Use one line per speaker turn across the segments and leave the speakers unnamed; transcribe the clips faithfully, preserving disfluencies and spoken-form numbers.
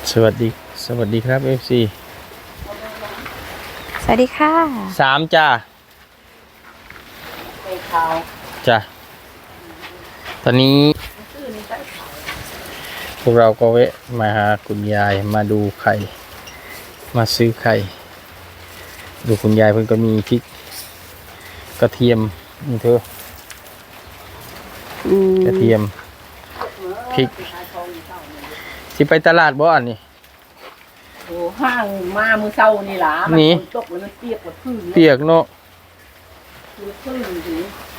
สวัสดีสวัสดีครับ เอฟ ซี
สวัสดีค่ะ
สามจ้าจ้าตอนนี้พวกเราก็แวะมาหาคุณยายมาดูไข่มาซื้อไข่ดูคุณยายเพิ่นก็มีพริกกระเทียมนี่เธอกระเทียมพริกสิไปตลาดบ่อันนี้
โอ้ห้างมามือเช้านี่ล่ะ
นี่
ตกแล้วมันเปียกหมดพื้น
เปียกเนาะ
พื้นสิ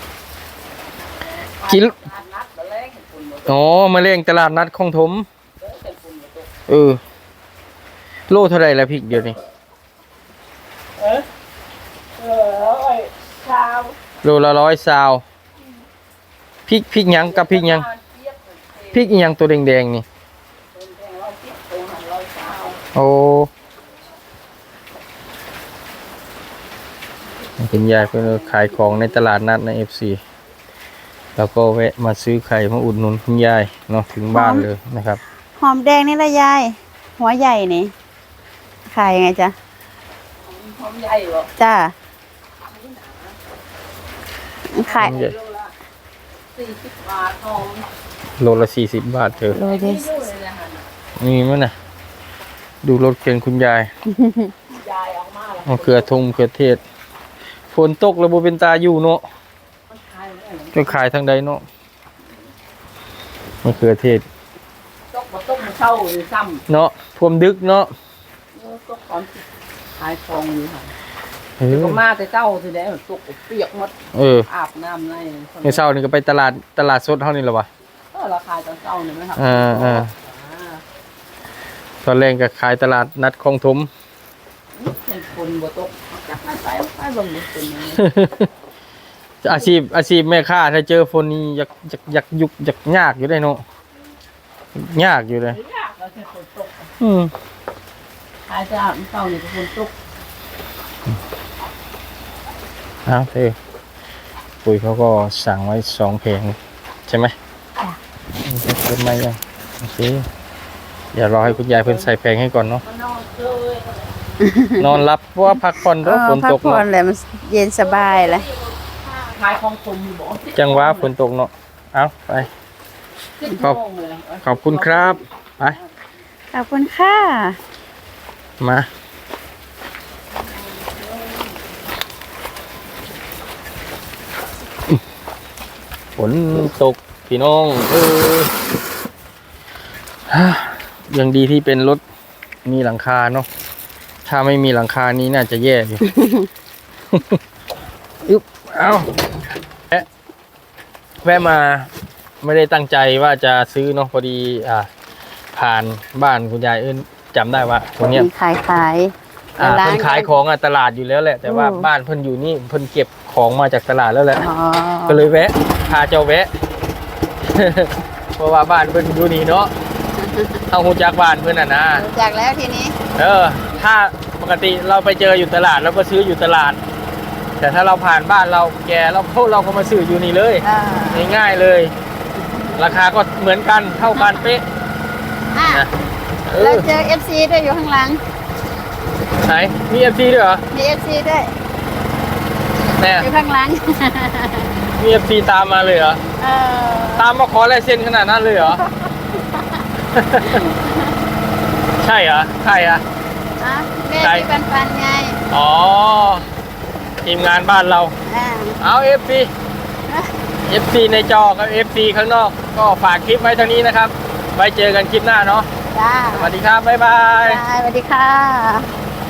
กิน
นัดมาแรงคนหมด
อ๋อมาเลี้ยงตลาดนัดของถมเออโลเท่าไรแล้วพริกเดี๋ยวนี้
เออเออไอ้ชาว
โลละร้อยซาวพริกพริกหยังกับพริกหยังพริกอีหยังตัวแดงๆนี่โอ้คุณยายเพิ่นขายของในตลาดนัดใน เอฟ ซี แล้วก็แวะมาซื้อไข่มาอุดหนุนคุณยายเนาะถึงบ้านเลยนะครับ
หอมแดงนี่ละยายหัวใหญ่นี่ขายยังไงจ๊ะ
หอมใหญ่บ่
จ้าขาย
สี่สิบบาทหอม
โลละสี่สิบบาทเธอ
โลเดส
มีมั้ยน่ะดูรถเข็นคุณยาย
ยายออกมาแล้ว
เอาเกลือทงเกลือเทศฝนตกแล้วบ่เป็นตาอยู่เนาะจะขายทางใดเนาะมะเขือเทศ
ตกบ่ตกมาเช้าหรือซ้ำ
เนาะท่วมดึกเนาะ
ตกตอนขายของอยู่ค่ะ
เออ
ก็มาแต่เจ้าสิได้ตกเปียกหมด
เออ
อาบน้ำใน
เมื่อเช้านี่ก็ไปตลาดตลาดสดเฮานี่แหละวะ
เออราคาตอนเช้านี่มั้ยครับ
อ่าๆตอนแรกก็ขายตลาดนัดคลองถม
เป็นคนบ่ตกจักไปไปไปเบิ่งเป็นยังไง
อาชีพอาชีพแม่ค้าถ้าเจอฝนนี่อยากอยากอยากยุกอยากยากอยู่ได้เนาะยากอยู่เลย
ยากแล้วแต่ฝนตก
อืม
ขายจะเช้านี่ก็ฝนตก
อ้าวเธอปุ๋ยเขาก็สั่งไว้สองเพลงใช่ไหม
จ้ะ
เพิ่มมายังโอเคเดี๋ยวรอให้คุณยายเพิ่นใส่แพงให้ก่อนเนาะ
นอนเลย
นอนรับเพราะว่าพักผ่อนด้วยฝนตก
พักผ่อนเลยมันเย็นสบายเลย
ขายของผมอยู่บ่
จังหวะฝนตกเนาะเอาไปขอบขอบคุณครับไป
ขอบคุณค่ะ
มาฝนตกพี่น้องเออยังดีที่เป็นรถมีหลังคาเนาะถ้าไม่มีหลังคานี้น่าจะแย่อยู่ อึ๊บเอาแวะแวะมาไม่ได้ตั้งใจว่าจะซื้อเนาะพอดีอ่าผ่านบ้านคุณยายเอิ้นจำได้ว่าตรงเนี้ย
ขายขาย
อ่าเพิ่นขายของอ่ะตลาดอยู่แล้วแหละแต่ว่าบ้านเพิ่นอยู่นี่เพิ่นเก็บของมาจากตลาดแล้วแหละก็เลยแวะพาเจ้าแวะ เพราะว่าบ้านเพิ่นอยู่นี่เนาะเอาหูจักบ้านเพิ่นอ่ะนะ
จากแล้วทีนี้
เออถ้าปกติเราไปเจออยู่ตลาดเราก็ซื้ออยู่ตลาดแต่ถ้าเราผ่านบ้านเราแกเราพวกเราก็มาซื้ออยู่นี่เลยง่ายๆเลย ราคาก็เหมือนกันเท่ากันเป๊ะนะ
เราเจอ เอฟ ซี ด้วยอยู่ข้างหลัง
ไหนมี เอฟ ซี ด้วยเหรอ
มี เอฟ ซี ด้วย
แน่
อยู่ข้างหลัง
มี เอฟ ซี ตามมาเลยเหรอ
เออ
ตามมาขอลายเซ็นขนาดนั้นเลยเหรอ ใช่เหรอใช่อ่ะ
แม่ที่ปันปันไง
อ๋อทีมงานบ้านเราเอา เอฟ ซี เอฟ ซี ในจอกับ เอฟ ซี ข้างนอกก็ฝากคลิปไว้เท่านี้นะครับไว้เจอกันคลิปหน้าเนาะ
จ้า
สวัสดีครับบ๊ายบาย
สวัสดีค่ะ